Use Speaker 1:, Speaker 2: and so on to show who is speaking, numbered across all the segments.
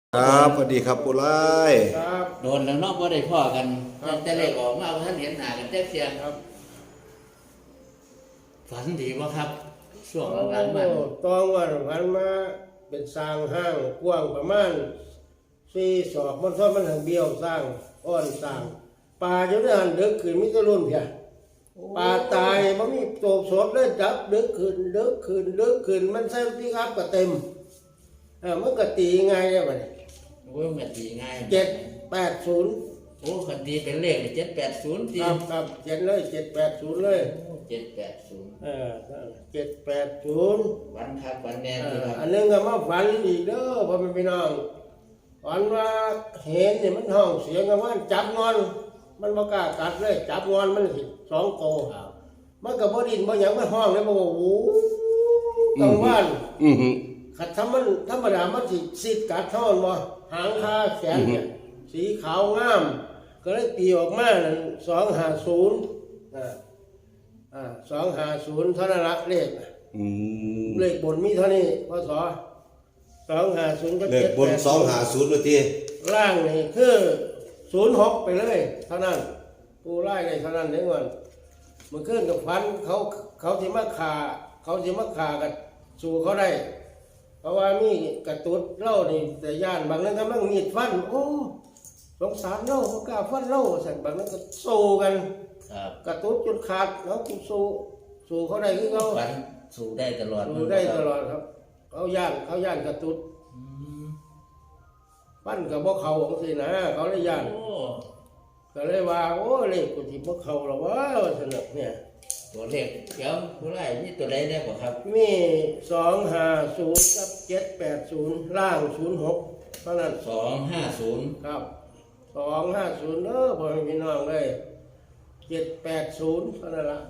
Speaker 1: ครับสวัสดีครับปุไล
Speaker 2: ครับ
Speaker 3: โดนแล้วเนอกว่าได้พ่อกันแต่เลขออกมาท่านเห็นหน้ากันแจ๊กเสียง
Speaker 2: ครับ
Speaker 3: ฝันดีวะครับช่วงหลังๆมา
Speaker 2: ตองวันพันมาเป็นสร้างห้างกว้างประมาณ4 ศอกมันทอดมันทางเบี้ยวสร้างอ้อนสร้างปลาอยู่ในหันเด็กขึ้นมิตรรุ่นเพียปลาตายมันมีโตสดเลยจับเด็กขึ้นมันใส่ที่ครับก็เต็มมันก็ตีไงเนี่ยมัน
Speaker 3: โอ้ยมันตีง่าย
Speaker 2: 780
Speaker 3: โอ้คันตีเป็นเลข780ตี
Speaker 2: ครับเจ็ดเลย780เลย
Speaker 3: 780
Speaker 2: 780
Speaker 3: วันครับวันแน่ดีครับ
Speaker 2: อันนึงก็มาฝันอีกเด้อพ่อแม่พี่น้องฝันว่าเห็นนี่มันห้องเสียงกันว่าจับงอนมันบ่กล้ากัดเลยจับงอนมันสิ2 โต
Speaker 3: ครับ
Speaker 2: มันก็บ่ดิ้นบ่หยังมันห้องเลยบ่ว่าโอ้กลางวันขัดธรรมดามันสิสิดกัดเท่านั้นบ่หางคาแขนเนี่ยสีขาวงาม ก็เลยตีออกมานั่น250250เท่านั้นละเลขเลขบนมีเท่านี้พศ250ก็
Speaker 1: เลขบน250นาที
Speaker 2: ล่างนี่คือ06ไปเลยเท่านั้นปูไล่ได้เท่านั้นเด้อมันมันขึ้นกับฟันเขาสิมาฆ่ากันสู่เขาได้ เพราะว่ามีกระตุ้นเล่านี่แต่ย่านบางนั้นก็มั่งมีดฟันโอ้สงสารเล่าบ่กล้าฟันเล่าสั่นบางนั้นก็สู้กัน
Speaker 3: ครับ
Speaker 2: กระตุ้นจนขาดเขาสู้เขาได้คือเขา
Speaker 3: ฝันสู้ได้ตลอด
Speaker 2: สู้ได้ตลอดครับเขาย่านกระตุ้น
Speaker 3: อืม
Speaker 2: ปั้นกับพวกเขาของสินะเขาเลยย่าน
Speaker 3: โอ้
Speaker 2: ก็เลยว่าโอ้เลขกูที่พวกเขาหรอวะสนุกเนี่ย
Speaker 3: ตัวเลขเดี๋ยวผู้ไล่นี่ตัวใดได้บ่ครับ
Speaker 2: มี250กับ780ล่าง06เท่านั้น
Speaker 3: 250
Speaker 2: ครับ250เด้อพ่อแม่พี่น้องเลย780เท่านั้นละ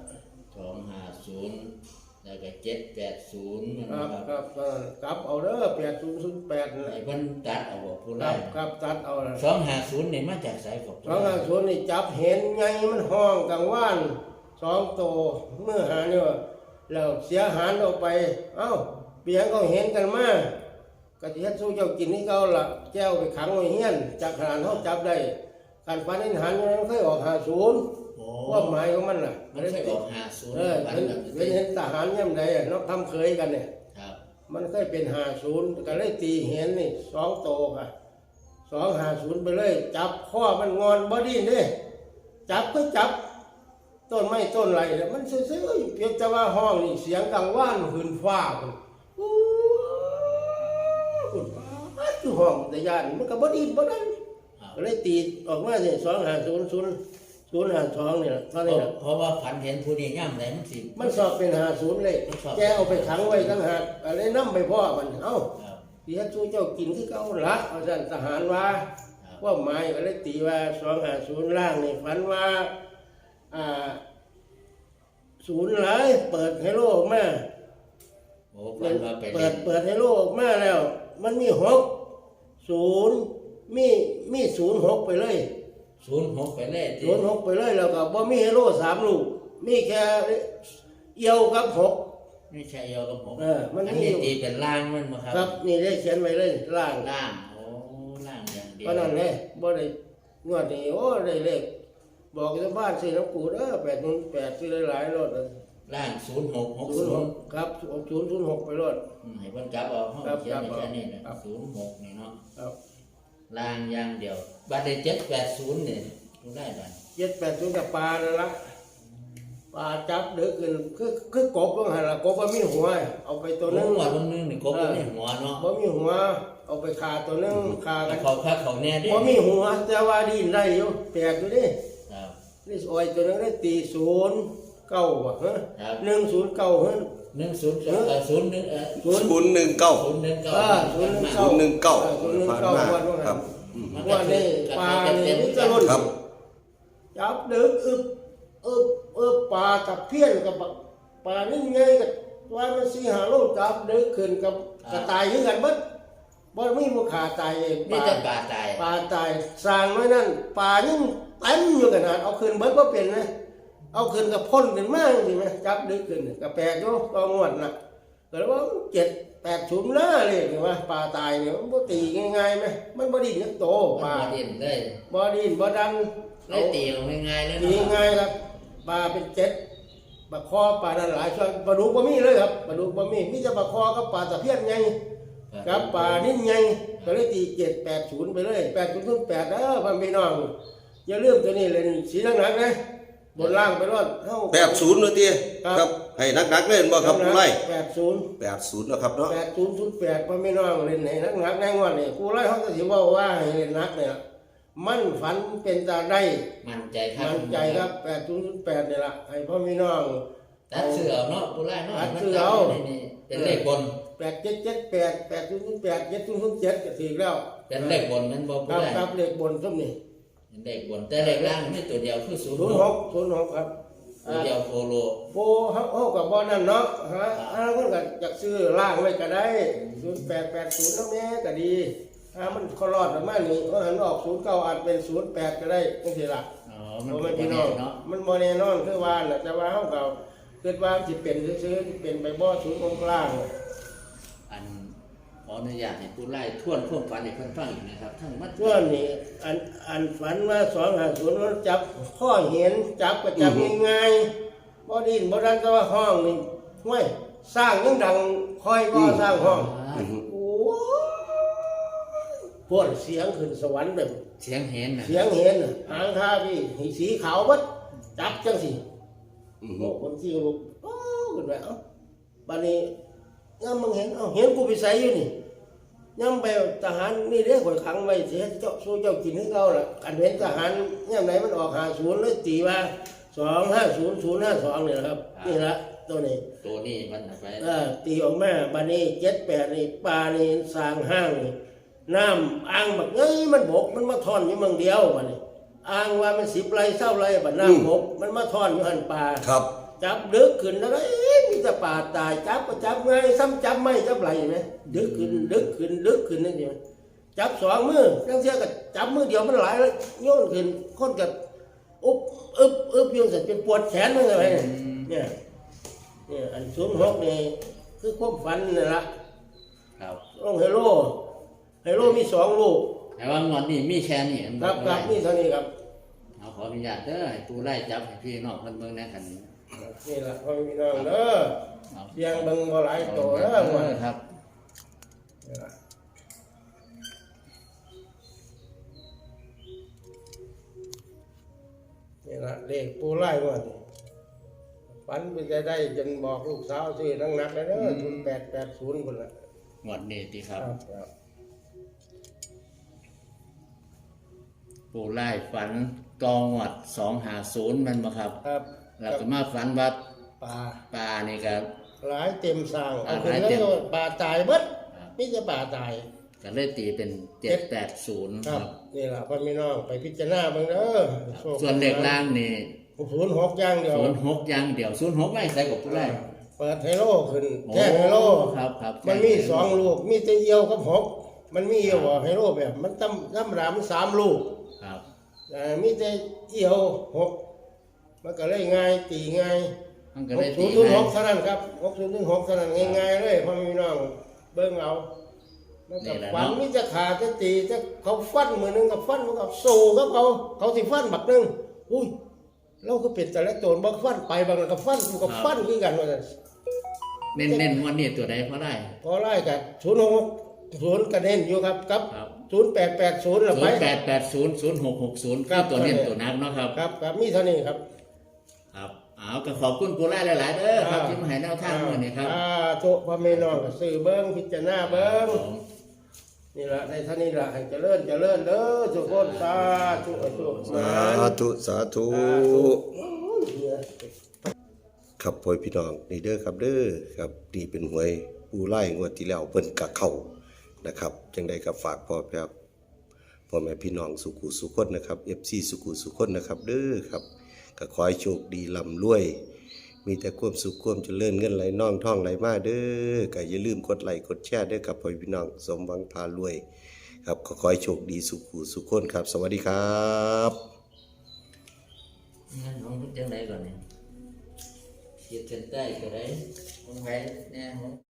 Speaker 3: 250แล้วก็780นะ
Speaker 2: ค
Speaker 3: ค
Speaker 2: รั
Speaker 3: รั
Speaker 2: บบ ครับเท่านั้นกลับเอาเด้อ8008นั่นแห
Speaker 3: ไอ้
Speaker 2: ละ
Speaker 3: เพิ่นตัดเอาบ่ผู้
Speaker 2: ค
Speaker 3: ไล่
Speaker 2: รับตัดเอาละ
Speaker 3: 250นี่มาจากไสครับ
Speaker 2: 250นี่จับเห็นไงมันห้องกลางว่าน2 โตเมื่อหาเนี่ยแล้วเสียหารออกไปเอ้าเปียงก็เห็นกันมากะทิเฮ็ดสู้เจ้ากินนี่เก่าละแจ้วไปขังไว้เฮียนจากขนาดเฮาจับได้การฟันนินหันมันเคยออก50
Speaker 3: โอ้
Speaker 2: ว่าหมายของมันน่ะ
Speaker 3: มันเคยออก50
Speaker 2: เออ
Speaker 3: ปัน
Speaker 2: เห็นทหารย่ำใดอ่ะนกทำเคยกันเนี่ย
Speaker 3: ครับ
Speaker 2: มันเคยเป็น50ก็เลยตีเห็นนี่2 โตค่ะ250ไปเลยจับข้อมันงอนบ่ดีนี่จับก็จับต้นไม้ต้นไรเนี่ยมันซื่อๆเพียงแต่ว่าห้องนี่เสียงกังวานหืนฟ้าพุ่นอู้พุ่นอยู่ห้องแต่ย่านมันก็บ่ดีบ่ได้
Speaker 3: ครับ
Speaker 2: ก็เลยตีออกมาสิ250 นี่ล่ะเท่านี้ล่ะ
Speaker 3: เพราะว่าฝันเห็นผู้นี้ย่ำไหนมันสิ
Speaker 2: มันสอบเป็น50เลย
Speaker 3: มันสอบ
Speaker 2: แกเอาไปขังไว้ตั้งหากอะไรนำไปพ่อมันเอ้า
Speaker 3: ครับ
Speaker 2: ที่ให้สู้เจ้ากินคือเก่าละเอาสั่นทหารว่า
Speaker 3: ครับ
Speaker 2: ว่าหมายก็เลยตีว่า250ล่างนี่ฝันว่าศูนย์หลายเปิดให้โลกมา
Speaker 3: โอ้ฝันว่าไป
Speaker 2: เปิ
Speaker 3: เล่
Speaker 2: ด
Speaker 3: น
Speaker 2: ให้โลกมาแล้ว มันมี60มี06ไปเลย
Speaker 3: 06ไปเลยที่
Speaker 2: 06ไปเลยแล้วก็บ่มีให้โล3 ลูกมีแค่เอียวกับ6
Speaker 3: ไม่ใช่เอวกับผม
Speaker 2: มัน
Speaker 3: อัน
Speaker 2: มี
Speaker 3: นี้
Speaker 2: อยู่
Speaker 3: ตีเป็นล่างมันบ่ครับ
Speaker 2: ครับนี่ได้เขียนไว้เลยล่าง
Speaker 3: ล่างโอ้ล่างอย่างเดียว
Speaker 2: เพราะนั้นเลยบ่ได้งวดนี้โอ้ได้เลขบอกชาวบ้านซื้อน้ำกูเด้อ808ซื้อหลายๆรถ
Speaker 3: ล่าง0660
Speaker 2: ครับ6006ไปรถ
Speaker 3: ให้เพิ่นจับเอาห้อง
Speaker 2: ครับ
Speaker 3: เขียน
Speaker 2: ครับ
Speaker 3: แค่นี้นะครับ 06นี่เนาะ
Speaker 2: ครับ
Speaker 3: ล่างอย่างเดียวบัดนี้780นี่ผู้ได้บัด
Speaker 2: 780กับปลานั่นละปลาจับเด้อขึ้นคือกบต้องหันละกบบ่มีหัวเอาไปตัว
Speaker 3: ตัว
Speaker 2: นึ
Speaker 3: นึ
Speaker 2: ง
Speaker 3: งว่าตัวนึงนี่กบบ่มีหัวเนาะ
Speaker 2: บ่มีหัวเอาไปฆ่าตัวนึงฆ่ากัน
Speaker 3: เขาคักเขาแน่ดิ
Speaker 2: บ่มีหัวแต่ว่าดินได้อยู่แปลกอยู่ดิ
Speaker 3: ครับ
Speaker 2: นี่อ้อยตัวนึงได้ตี09บ่ฮะ
Speaker 3: ครับ
Speaker 2: 109ฮะ
Speaker 3: 10
Speaker 1: 019
Speaker 2: 019
Speaker 1: ผ่านมาครับ
Speaker 2: ว่านี่ปลานี่มันจะล้น
Speaker 1: ครับ
Speaker 2: จับดึกปลากับเพี้ยนกับปลานี่ไงกับว่ามัน4-5 โลจับดึกขึ้นกับกระต่ายคือกันเบิดบ่มีบ่ขาตายป
Speaker 3: นี่
Speaker 2: ลา
Speaker 3: จะปลาตาย
Speaker 2: ปลาตายสร้างไว้นั่นปลายังเต็มอยู่ขนาดเอาขึ้นเบิดบ่เป็นนะเอาขึ้นกับพ่นขึ้นมาจังซี่แม่จับดึกขึ้นก็แปลกอยู่ก็งวดน่ะก็เลยว่า780นะเลยเห็นว่าปลาตายเนี่ยมันบ่ตีง่ายๆไหมมันบ่ดิ้นจักโตปลา
Speaker 3: บ่ดิ้นเลย
Speaker 2: บ่ดิ้นบ่ดัน
Speaker 3: เลยตีลงง่ายๆเลย
Speaker 2: ตี
Speaker 3: เนาะ
Speaker 2: ง่ายครับปลาเป็น7ปลาคอปลานั้นหลายช่วงปลาดุกบ่มีเลยครับปลาดุกบ่มีมีแต่ปลาคอกับปลาตะเพียนไงกับปลานิ่นไงก็เลยตี780ไปเลย8008เด้อพ่อพี่น้องอย่าลืมตัวนี้เลยสีหนักๆนะบนล่างไปรอดเฮา
Speaker 1: 80นาทีครับให้นักๆเล่นบ่ครับผู้ไล่
Speaker 2: 80
Speaker 1: 80นะครับเนาะ
Speaker 2: 8008พ่อพี่น้องเล่นให้หนักๆในงวดนี้ผู้ไล่เขาก็สิเว้าว่าให้เล่นหนักเนี่ยมันฝันเป็นตาได้
Speaker 3: มั่นใจครับ
Speaker 2: มั่นใจครับ8008นี่ล่ะให้พ่อพี่น้อง
Speaker 3: ตัดเสือเอาเนาะผู้ไล่เนาะ
Speaker 2: ตัดเสือเอา
Speaker 3: นี่เป็นเลขบน
Speaker 2: 8778 8008 7007ก็ถูกแล้ว
Speaker 3: เป็นเลขบนมันบ่
Speaker 2: ค
Speaker 3: ผู้
Speaker 2: รับ
Speaker 3: ไล่
Speaker 2: ครับเลขบนซุ่มนี่
Speaker 3: เป็นเลขบนแต่เลขล่างมีตัวเดียวคือ06
Speaker 2: 06ครับ
Speaker 3: ตัวเดียวโคโล
Speaker 2: โบเฮากับบ่นั่นเนาะฮะคนก็อยากซื้อล่างไว้ก็ได้0880นำแม่ก็ดีมันเขารอดประมาณนี้ว่าหันออก09อาจเป็น08ก็ได้จังซี่ล่ะ
Speaker 3: อ๋อมัน
Speaker 2: บ่
Speaker 3: เป็
Speaker 2: แม่
Speaker 3: น
Speaker 2: น
Speaker 3: พี่
Speaker 2: พี่
Speaker 3: น้
Speaker 2: น้
Speaker 3: อ
Speaker 2: อง ง
Speaker 3: เนาะ
Speaker 2: มันบ่แน่นอนคือว่าน่ะแต่ว่าเฮาก็คิดว่าสิเป็นซื่อๆสิเป็นไปบ่ศูนย์องค์กลาง
Speaker 3: อันขออนุญาตให้ผู้ไล่ทวนความฝันให้เพิ่นฟังอีกนะครับทั้งมัด
Speaker 2: ส่วนนี้อันฝันว่า250มันจับข้อเห็นจับก็จับง่ายๆบ่ดิ้นบ่ดันแต่ว่าห้องนี่ห้วยสร้างยังดังคอยบ่สร้างห้อง โอ้ปวดเสียงขึ้นสวรรค์แบบ
Speaker 3: เสียงเห็นน่ะ
Speaker 2: เสียงเห็นน่ะหางคาพี่ให้สีขาวบัดจับจังสิโอ้คนที่ลูกโอ้ขึ้นไปเอ้าบัดนี้ย่ำมึงเห็นเอ้าเห็นกูไปใส่อยู่นี่ย่ำไปทหารนี่เด้ข่อยขังไว้เสียเจ้าสู้เจ้ากินให้เขาล่ะอันเห็นทหารย่ำไหนมันออก50เลยตีว่า250052นี่แหละครับนี่ละตัวนี้
Speaker 3: ตัวนี้มันน่ะไป
Speaker 2: ตีออกมาบัดนี้78นี่ปลานี่สร้างห้างนี่น้ำอ่างบักเอ้ยมันบกมันมาทอนอยู่เมืองเดียวบัดนี้อ่างว่ามัน10 ไร่20 ไร่บัดน้ำบกมันมาทอนอยู่หันปลา
Speaker 1: ครับ
Speaker 2: จับดึกขึ้นแล้วก็มีแต่ปลาตายจับก็จับไงซ้ำจับไม่จับไหลไหมดึกขึ้นดึกขึ้นดึกขึ้นนั่นเองจับ2 มือทั้งเสียก็จับมือเดียวมันหลายแล้วโยนขึ้นคนกับอึบโยนเสร็จเป็นปวดแขนมันเลยเนี่ยอัน06นี่คือความฝันนี่ละ
Speaker 3: ครับ
Speaker 2: ต้องไฮโลมี2 ลูก
Speaker 3: แต่ว่างอนนี่มีแค่นี้
Speaker 2: ครับนี่เท่านี้ครับ
Speaker 3: เอาขออนุญาตเด้อให้ผู้ไล่จับให้พี่น้องเพิ่นเบิ่งแหน่กัน
Speaker 2: นี่ละพ่อพี่น้องเด้อ
Speaker 3: เอา
Speaker 2: เสียงเบิ่งบ่หลายโตเด้อหมด
Speaker 3: ครับ
Speaker 2: นี่ล่ะนี่ละเลขปูไล่หมดฝันไปจะได้จนบอกลูกสาวซื้อนักๆเลยเด้อ0880พุ่นละ
Speaker 3: งวดนี้ติครับ
Speaker 2: ครับ
Speaker 3: ผู้ไล่ฝันตองวด250มันบ่ครับ
Speaker 2: ครับ
Speaker 3: แล้วก็มาฝันว่า
Speaker 2: ปลา
Speaker 3: ปลานี่ก็
Speaker 2: หลายเต็มสร้างเอา
Speaker 3: ห
Speaker 2: ขึ้น
Speaker 3: ลาย
Speaker 2: แล้
Speaker 3: เต็ม
Speaker 2: วปลาตายเบิดมีแต่ปลาตาย
Speaker 3: ก็เลยตีเป็น780
Speaker 2: ค
Speaker 3: ค
Speaker 2: รั
Speaker 3: รั
Speaker 2: บบ นี่ล่ะพ่อพี่น้องไปพิจารณาเบิ่งเด้อโชค
Speaker 3: ส่วนเลขล่างนี่
Speaker 2: 06อย่างเดียว
Speaker 3: 06อย่างเดียว06ไม่ใส่กับผู้ไล่
Speaker 2: เปิดไฮโลขึ้นแท่งไฮโล
Speaker 3: ครับครับ
Speaker 2: มันมี2 ลูกมีแต่เอียวกับ6มันมีเอียวบ่ไฮโลแบบมันธรรมดามัน3 ลูก
Speaker 3: ครับ
Speaker 2: มีแต่เอียว6มันก็เลยง่ายตีง่าย
Speaker 3: มันก็เลยตีง่าย
Speaker 2: 6006เท่านั้นครับ6006เท่านั้นง่ายๆเลยพ่อพี่น้องเบิ่งเอามันก็ฝันมีจะขาดจะตีจะเขาฟันมือนึงกับฟันมันก็สู้กับเขาสิฟันบักนึงอุ้ยเราก็เป็นแต่ละโจรบ่ฟันไปบางนั้นก็ฟันมันก็ฟันคือกันว่าซั่น
Speaker 3: เน้นๆวันนี้ตัวใดพอได้
Speaker 2: พอไล่กับ06 กระเด็นอยู่ครับกับ
Speaker 3: ครับ
Speaker 2: 0880แล้วไป
Speaker 3: 08800660คือตัวเน้นตัวนักเนาะครับ
Speaker 2: ครับมีเท่านี้ครับ
Speaker 3: ครับเอาก็ขอบคุณผู้ไล่หลายๆเด้อครับที่มาให้แนวทางมื้อนี้ครับ
Speaker 2: โตพ่อแม่น้องก็ซื้อเบิ่งพิจารณาเบิ่งนี่ล่ะในเท่านี้ล่ะให้เจริญเด้อทุกคนสาธุ
Speaker 1: สาธุครับพ่อพี่น้องนี่เด้อครับเด้อครับนี่เป็นหวยปูไล่งวดที่แล้วเพิ่นกะเข้านะครับจังได๋ก็ฝากพ่อแม่พี่น้องสุขุสุขคนนะครับ FC สุขุสุขคนนะครับเด้อครับก็ขอให้โชคดีร่ำรวยมีแต่ความสุขความเจริญเงินไหลน่องท่องไหลมาเด้อก็อย่าลืมกดไลค์กดแชร์เด้อครับพ่อพี่น้องสมหวังพารวยครับก็ขอให้โชคดีสุขุสุขคนครับสวัสดีครับ
Speaker 3: งั้นของจังไดก่อนเนี่ยขีดเส้นใต้ก็ได้ของไผแน่ของ